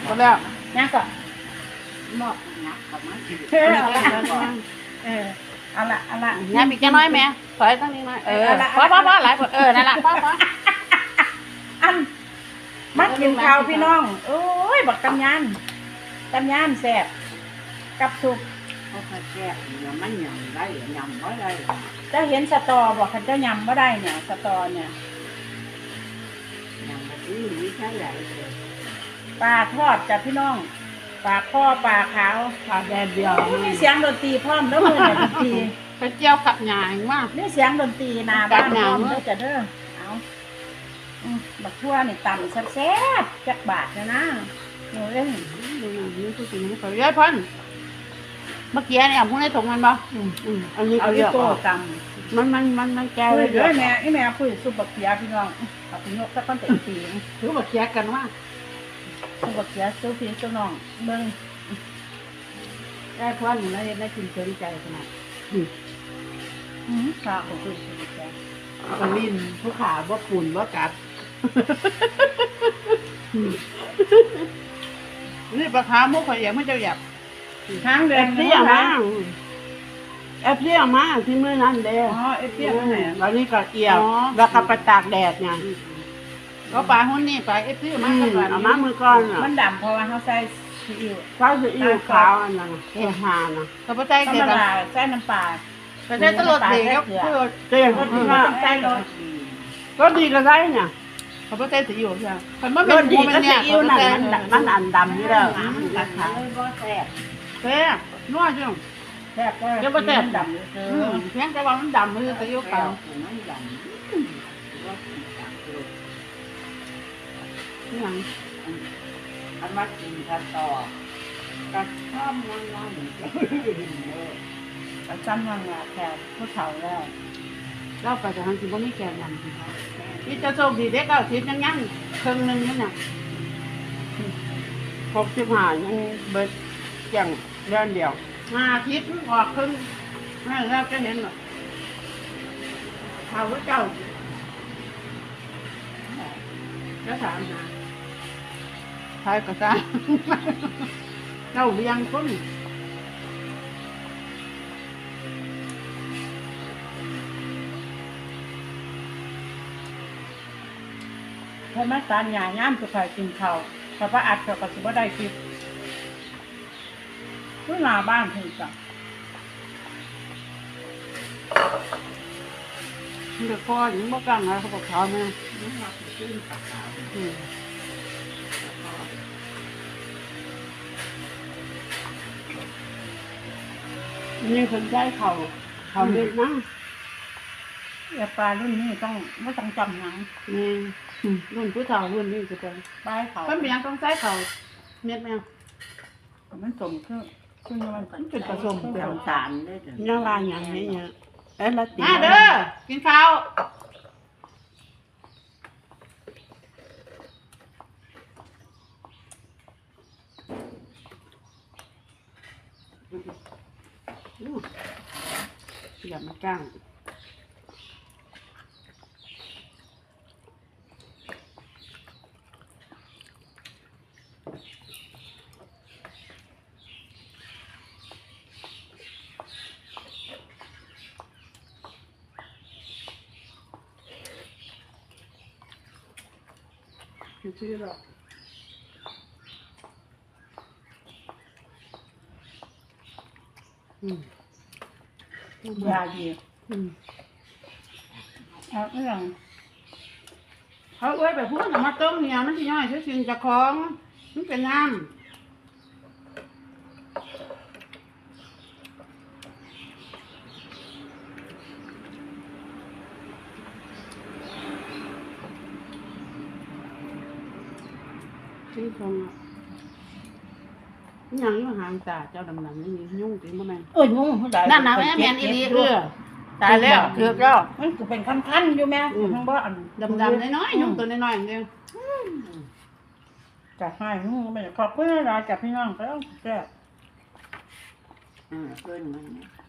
หมดแล้วยังก็หมดนักกับมันเอาละเอาละยายมีแค่น้อยแม่ถอยตั้งนิดหน่อยพอหลายคนนั่นแหละพออันมักกินข้าวพี่น้องโอ้ยบักตำยานแซ่บกับสุกเขาแก้เนี่ยมันยำได้ยำบ่ได้เจ้าเห็นสตอบอกคันเจ้ายำบ่ได้เนี่ยสตอเนี่ยยำแบบนี้มีแค่ไหนปลาทอดจ้ะพี่น้องปลาข้อปลาขาวปลาแดดเดียวมีเสียงดนตรีพร้อมแล้วมือดนตรีไปเจียวขับหยางมากนี่เสียงดนตรีนาบ้านพร้อมเด้อจ้ะเด้อเอาบักทั่วนี่ต่ำแซ่บๆจักบาทนะหนูเล่นดูหน่อยนี่คือสิ่งที่เขาเยอะพันเมื่อกี้เนี่ยพวกนี้ถงมันบ่อันนี้เอาที่โก้ต่ำมันแก้วเลยเด้อแม่คุยสุบักเขียพี่น้องเอาไปยกสักก้อนเต็มตีถือบักเขียกันว่าสุบักเขียซื้อพี่ซื้อน้องเบิ่งได้พันแล้วได้กินเฉยใจขนาดข้าวของคุยสุบักเขียกระลินผู้ขาบ่ฝุ่นบ่กัดนี่ปลาขาวมุกข่อยอย่างไม่เจ้าหยับทางเดินเที่ยมาเที่ยมาที่เมื่อนั้นเด้อเที่ยมาไหนแล้วนี่ก็เกี่ยวแล้วก็ไปตากแดดไงก็ปลาหุ้นนี่ปลาเที่ยมาเอามามือก่อนมันดำเพราะว่าเขาใส่ซีอิ๊วขาวอันนั้นหานะเขาใส่เกลือใส่น้ำปลาก็ได้ตลอดเด็กก็เจ๊ก็ใส่รสก็ดีก็ได้เนี่ยเขาใส่ซีอิ๊วใช่แต่เมื่อเป็นดีก็ซีอิ๊วนั่นมันอันดำนี่แล้วมันกระถางก็แซ่บแซ่บนัวจังแซ่บก็เจ้าก็แซ่บดำเลยเพียงแต่ว่ามันดำมันซีอิ๊วขาวมันดำว่านี่หยังอันมากินกันต่อกระท่อมนั่งกระซ้ำยังแค่ผู้เฒ่าแล้วเราไปจะทำสิ่งพวกนี้แก่ยันที่จะโชคดีเด็ก90ยังครึ่งนึงนี่น่ะ65ยังเบิดอย่างเดือนเดียว50ออกครึ่งนั่นแล้วจะเห็นหรอเขาเจ้าก็ถามหาใช่ก็ใช่เจ้าเลี้ยงคนเพราะแม่ตาหยาย่ามสุขายกินข้าวเพราะว่าอัดเขาก็สิบ่ได้กินผู้หน้าบ้านเพิ่นจ้ะเด็กพ่อยังบ่กังอะไรเขาบอกเขาแม่นี่คนใจเขาเด็กนะอย่าปลารุ่นนี้ต้องไม่ต้องจำหนังนี่รุ่นผู้เฒ่ารุ่นนี้ก็เป็นปลาเขาเป็นอย่างต้องใช้เขาเม็ดแมวมันสมคือมันจุดผสมเปลี่ยนสารได้ถึงย่างลายอย่างนี้เนี่ยละตีเด้อกินข้าวอย่ามาจ้างชื่อหรอยาดีเอาเรื่องเขาเอ้ยแบบพวกน้ำมาต้มเนี่ยมันจะย่อยชื่อสินจะคล้องมันเป็นน้ำที่คงยังอยู่ห่างตาเจ้าดำๆนี่ยุ่งจริงบ่แม่ยุ่งนั่นนะแม่แม่นอีหลีตายแล้วเกือบแล้วมันจะเป็นคันๆอยู่แม่ทั้งบ่อันดำๆน้อยๆยุ่งตัวน้อยๆอย่างเดียวจะให้ยุ่งไม่ขอบคุณนะจ๊ะพี่น้องก็ต้องแก้เพื่อนมัน